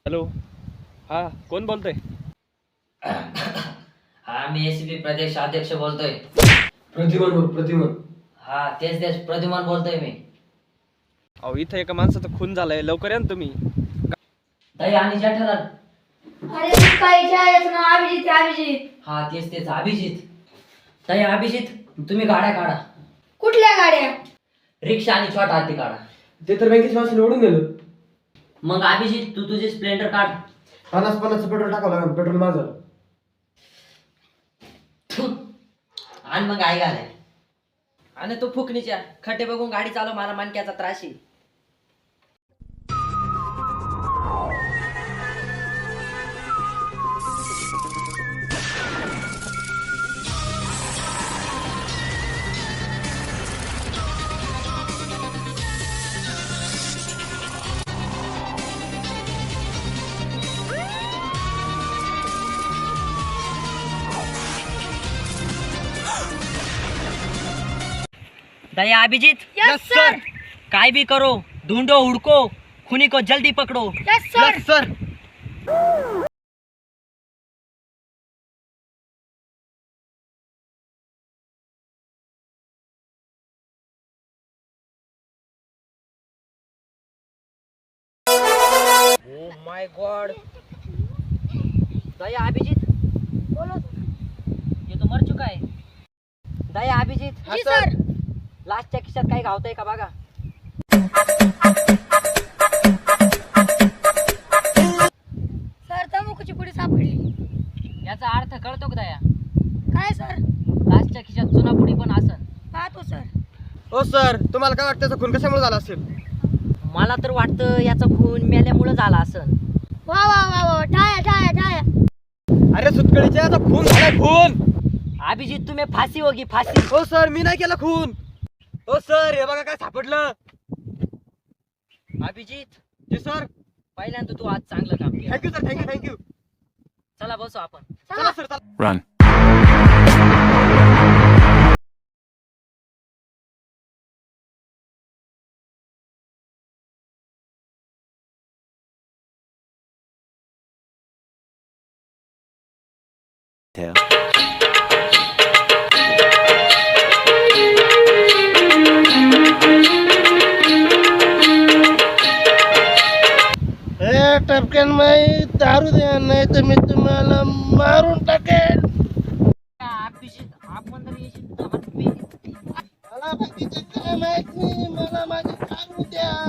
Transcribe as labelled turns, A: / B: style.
A: Hello, हा कोण बोलतोय?
B: हा मी एसीपी प्रदेश अध्यक्ष बोलतोय.
C: प्रतिमन
B: हा तेच प्रद्युमन बोलतोय मी.
A: अहो इथं एका माणसाचा खून झालाय, लवकर या ना तुम्ही.
B: दही आणि जेठालाल.
D: अरे काही याचं नाव अभिजित आहे, अभिजित.
B: हा तेच अभिजित. दही अभिजित, तुम्ही गाड्या काढा.
D: कुठल्या गाड्या?
B: रिक्षा आणि छोटा हाती काढा.
C: ते तर बँकेच्या माणसाने ओढून गेलं.
B: मग अभिजित तू तुझी स्प्लेंडर काढ.
C: 50 पेट्रोल टाकावं लागेल, पेट्रोल माझं.
B: आणि मग आई घालाय. आणि तू फुकणीच्या खड्डे बघून गाडी चालव, मला मानक्याचा त्रास आहे. Daya Abhijeet,
D: yes sir.
B: काय भी करो, ढूंढो हुड़को, खूनी को जल्दी पकड़ो.
D: Yes sir.
C: Sir.
B: Oh my God. Daya Abhijeet,
D: बोलो.
B: ये तो मर चुका है. दया अभिजीत,
D: जी सर.
B: लास्टच्या खिशात काही घावतंय का बघा.
D: सर तंबाखूची पुडी सापडली.
B: याचा अर्थ कळतो का दया?
D: काय सर?
B: लास्टच्या खिशात चुनापुडी पण असन.
D: पाहतो सर.
C: हो सर, तुम्हाला काय वाटतं त्याचा खून कशामुळे झाला असेल?
B: मला तर वाटतं याचा खून मेल्यामुळे झाला असन.
D: वा वा वा वा, टाया टाया टाया.
C: अरे सुटकळीच्या याचा खून झालाय, खून.
B: अभिजीत तुम्ही फाशी होगी फाशी.
C: हो सर, मी नाही केला खून. हो सर, हे बघा काय सापडलं.
B: अभिजीत,
C: जी सर.
B: पहिल्यांदा तू आज चांगलं काम केलं.
C: Thank you sir, thank you.
B: चला बसू आपण.
C: चला सर, चला.
E: Run.
F: टपक्यान माई दारू द्या, नाही तर मी तुम्हाला मारून टाकेन.
B: अभिजीत आपण तर येशील.
F: मला बाकीचं काय माहित नाही, मला माझी दारू द्या.